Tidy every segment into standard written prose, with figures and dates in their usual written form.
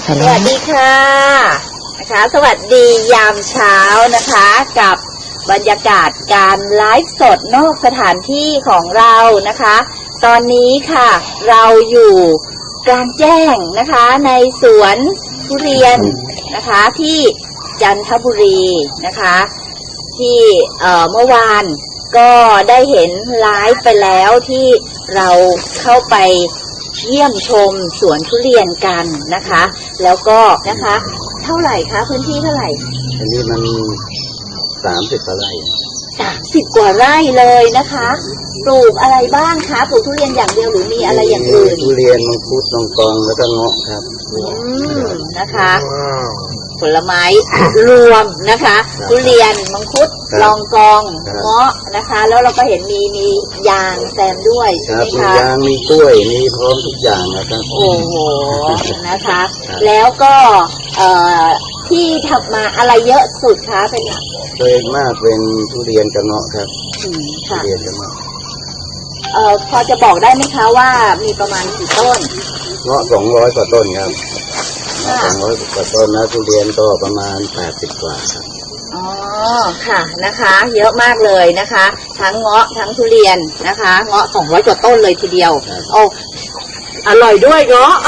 สวัสดีค่ะนะคะสวัสดียามเช้านะคะกับบรรยากาศการไลฟ์สดนอกสถานที่ของเรานะคะตอนนี้ค่ะเราอยู่กลางแจ้งนะคะในสวนทุเรียนนะคะที่จันทบุรีนะคะที่เมื่อวานก็ได้เห็นไลฟ์ไปแล้วที่เราเข้าไปเยี่ยมชมสวนทุเรียนกันนะคะแล้วก็นะคะเท่าไหร่คะพื้นที่เท่าไหร่อันนี้มัน30 กว่าไร่ 30 กว่าไร่เลยนะคะปลูกอะไรบ้างคะปลูกทุเรียนอย่างเดียวหรือมีอะไรอย่างอื่นทุเรียนมังคุดลองกองแล้วก็เงาะครับนะคะผลไม้รวมนะคะทุเรียนมังคุดลองกองเงาะนะคะแล้วเราก็เห็นมียางแซมด้วยใช่ไหมคะมียางมีกล้วยมีพร้อมทุกอย่างนะครับโอ้โหนะคะแล้วก็ที่ทำมาอะไรเยอะสุดคะเป็นโดยมากเป็นทุเรียนกับเงาะครับทุเรียนกับเงาะพอจะบอกได้ไหมคะว่ามีประมาณกี่ต้นเงาะ200 กว่าต้นครับ200 กว่าต้นนะทุเรียนก็ประมาณ80 กว่าครับอ๋อค่ะนะคะเยอะมากเลยนะคะทั้งเงาะทั้งทุเรียนนะคะเงาะ200 กว่าต้นเลยทีเดียวโอ้อร่อยด้วยเงาะ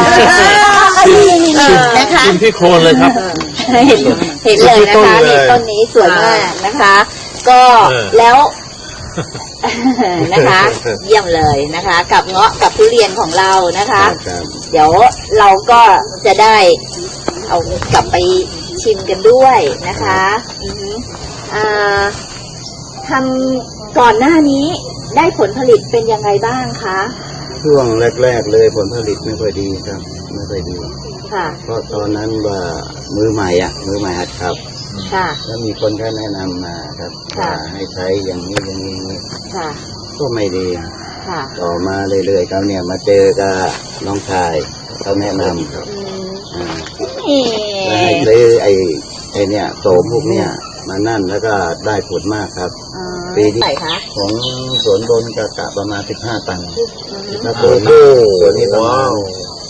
นะคะกินที่โคนเลยครับเห็นเลยนะคะนี่ต้นนี้สวยมากนะคะก็แล้วนะคะเยี่ยมเลยนะคะกับเงาะกับทุเรียนของเรานะคะเดี๋ยวเราก็จะได้เอากลับไปชิมกันด้วยนะคะทำก่อนหน้านี้ได้ผลผลิตเป็นยังไงบ้างคะช่วงแรกๆเลยผลผลิตไม่ค่อยดีครับไม่ค่อยดีค่ะเพราะตอนนั้นว่ามือใหม่หัดครับค่ะแล้วมีคนแนะนำมาครับว่าให้ใช้อย่างนี้อย่างนี้ค่ะก็ไม่ดีค่ะต่อมาเรื่อยๆเขาเนี่ยมาเจอกับน้องชายเขาแนะนำครับให้ซื้อไอ้เนี่ยโสมพวกเนี่ยมานั่นแล้วก็ได้ผลมากครับปีที่ของสวนบนกะประมาณ15 ตันแล้วตัวนี้ประมาณ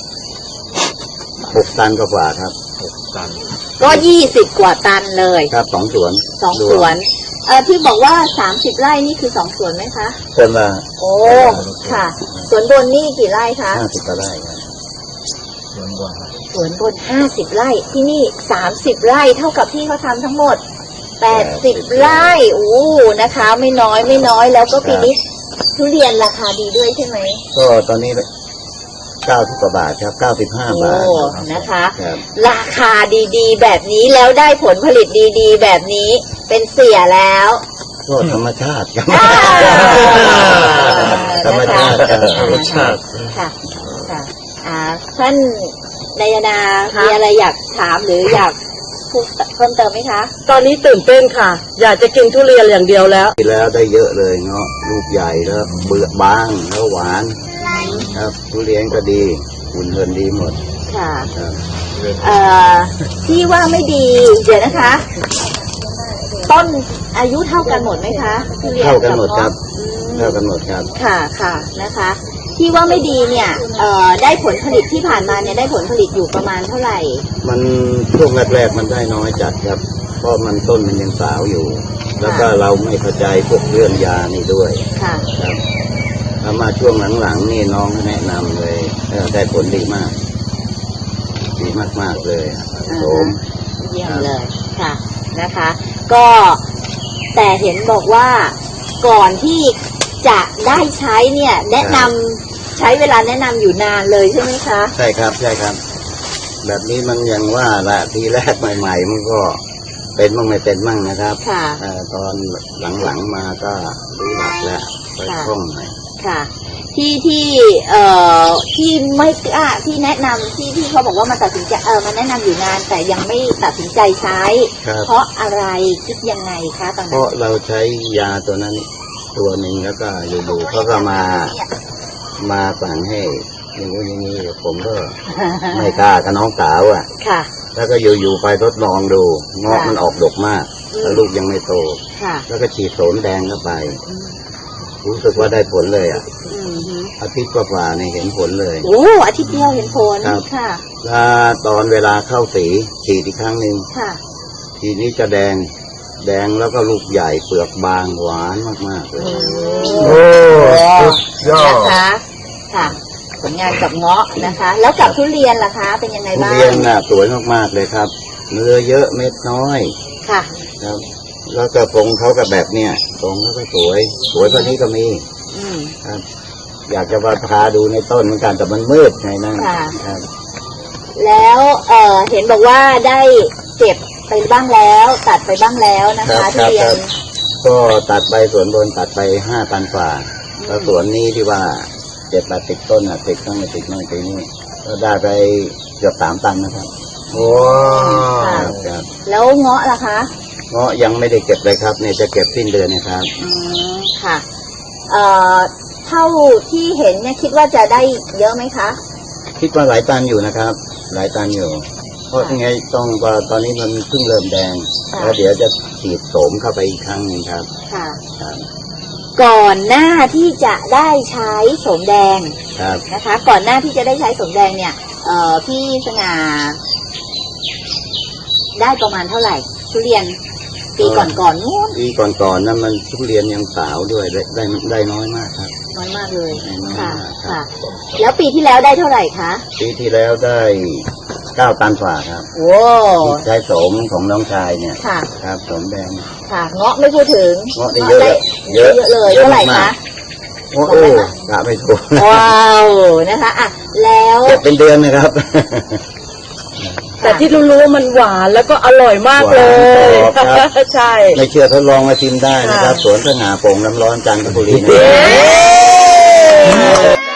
6 ตันกว่าครับ 6 ตันก็20 กว่าตันเลยครับ2 สวนที่บอกว่า30 ไร่นี่คือ2 สวนไหมคะสวนละโอ้ค่ะสวนบนนี่กี่ไร่คะ 50 กว่าไร่ครับสวนบน50 ไร่ที่นี่30 ไร่เท่ากับที่เขาทำทั้งหมด80 ไร่โอ้นะคะไม่น้อยแล้วก็ปีนี้ทุเรียนราคาดีด้วยใช่ไหมก็ตอนนี้90 กว่าบาทครับ95 บาทนะคะราคาดีๆแบบนี้แล้วได้ผลผลิตดีๆแบบนี้เป็นเสียแล้วก็ธรรมชาติครับธรรมชาติค่ะท่านนายนามีอะไรอยากถามหรืออยากพูดเพิ่มเติมไหมคะตอนนี้ตื่นเต้นค่ะอยากจะกินทุเรียนอย่างเดียวแล้วได้เยอะเลยเนาะลูกใหญ่แล้วเปลือกบางแล้วหวานครับทุเรียนก็ดีหุ่นเหินดีหมดค่ะที่ว่าไม่ดีเดี๋ยวนะคะต้นอายุเท่ากันหมดไหมคะเท่ากันหมดครับเท่ากันหมดครับค่ะนะคะที่ว่าไม่ดีเนี่ยได้ผลผลิตที่ผ่านมาเนี่ยได้ผลผลิตอยู่ประมาณเท่าไหร่มันช่วงแรกๆมันได้น้อยจัดครับเพราะมันต้นมันยังสาวอยู่แล้วก็เราไม่เข้าใจพวกเรื่องยานี่ด้วยค่ะครับแล้วมาช่วงหลังๆนี่น้องแนะนำเลยได้ผลดีมากเลยโสมเยี่ยมเลยค่ะนะคะก็แต่เห็นบอกว่าก่อนที่จะได้ใช้เนี่ยแนะนำใช้เวลาแนะนำอยู่นานเลยใช่ไหมคะใช่ครับแบบนี้มันยังว่าละทีแรกใหม่ๆมันก็เป็นมั่งไม่เป็นมั่งนะครับตอนหลังๆมาก็รู้หลักแล้วไปคล่องหน่อยค่ะที่ไม่กล้าที่แนะนำที่เขาบอกว่ามาตัดสินใจมาแนะนำอยู่นานแต่ยังไม่ตัดสินใจใช้เพราะอะไรคิดยังไงคะตอนนั้นเพราะเราใช้ยาตัวนั้นตัวหนึ่งแล้วก็อยู่ๆเขาก็มาสั่งให้อย่างนี้ผมก็ไม่กล้ากับน้องสาวค่ะแล้วก็อยู่ๆไปทดลองดูเงาะมันออกดกมากแล้วลูกยังไม่โตแล้วก็ฉีดโสมแดงเข้าไปรู้สึกว่าได้ผลเลยอ่ะอืมฮึอาทิตย์กว่าๆเนี่ยเห็นผลเลยโอ้อาทิตย์เดียวเห็นผลครับค่ะถ้าตอนเวลาเข้าสีฉีดอีกครั้งหนึ่งค่ะทีนี้จะแดงแล้วก็ลูกใหญ่เปลือกบางหวานมากๆเลยโอ้สุดยอดนะคะค่ะ ผลงานกับเงาะนะคะ แล้วกับทุเรียนล่ะคะ เป็นยังไงทุบ้างเรียนน่ะสวยมากๆเลยครับ เนื้อเยอะเม็ดน้อยค่ะครับ แล้วก็ทรงเขาก็แบบเนี้ยทรงเขาก็สวยกว่านี้ก็มีอืมครับ อยากจะมาพาดูในต้นเหมือนกันแต่มันมืดไงนั่นค่ะครับแล้วเห็นบอกว่าได้เก็บไปบ้างแล้ว ตัดไปบ้างแล้วนะคะทุเรียนก็ตัดไปสวนบนตัดไป5,000 ฝ่าแล้วสวนนี้ที่ว่า7-80 ต้นอ่ะติดตั้งแต่ติดตั้งแต่นี้ก็ได้ไปเกือบ3 ตันนะครับว้าค่ะวครับแล้วเงาะล่ะคะเงาะยังไม่ได้เก็บเลยครับเนี่ยจะเก็บสิ้นเดือนนะครับอืมค่ะเท่าที่เห็นเนี่ยคิดว่าจะได้เยอะไหมคะคิดว่าหลายตันอยู่นะครับ หลายตันอยู่ เพราะยังไงต้องว่าตอนนี้มันเพิ่งเริ่มแดงค่ะแล้วเดี๋ยวจะฉีดโสมเข้าไปอีกครั้งหนึงครับค่ะครับก่อนหน้าที่จะได้ใช้โสมแดงครับนะคะ ก่อนหน้าที่จะได้ใช้โสมแดงเนี่ยพี่สง่าได้ประมาณเท่าไหร่ ทุเรียนปีก่อนนู้นปีก่อนๆนั้นมันทุเรียนยังสาวด้วยได้น้อยมากครับน้อยมากเลยได้น้อยค่ะมากครัค่ะบแล้วปีที่แล้วได้เท่าไหร่คะปีที่แล้วได้9 ตันฝ่าครับโอ้ใช้โสมของน้องชายเนี่ยค่ะครับโสมแดงค่ะเงาะไม่พูดถึงเงาะได้เยอะเยอะเลยเท่าไหร่มาคะก โอ้โหกะไม่ถูกว้าวนะคะอ่ะแล้วเก็บเป็นเดือนนะครับแต่ที่รู้ๆว่ามันหวานแล้วก็อร่อยมากเลยหวานกรอบครับใช่ไม่เชื่อทดลองมาชิมได้นะครับค่ะสวนสง่าโป่งน้ำร้อนจันทบุรีนะเย้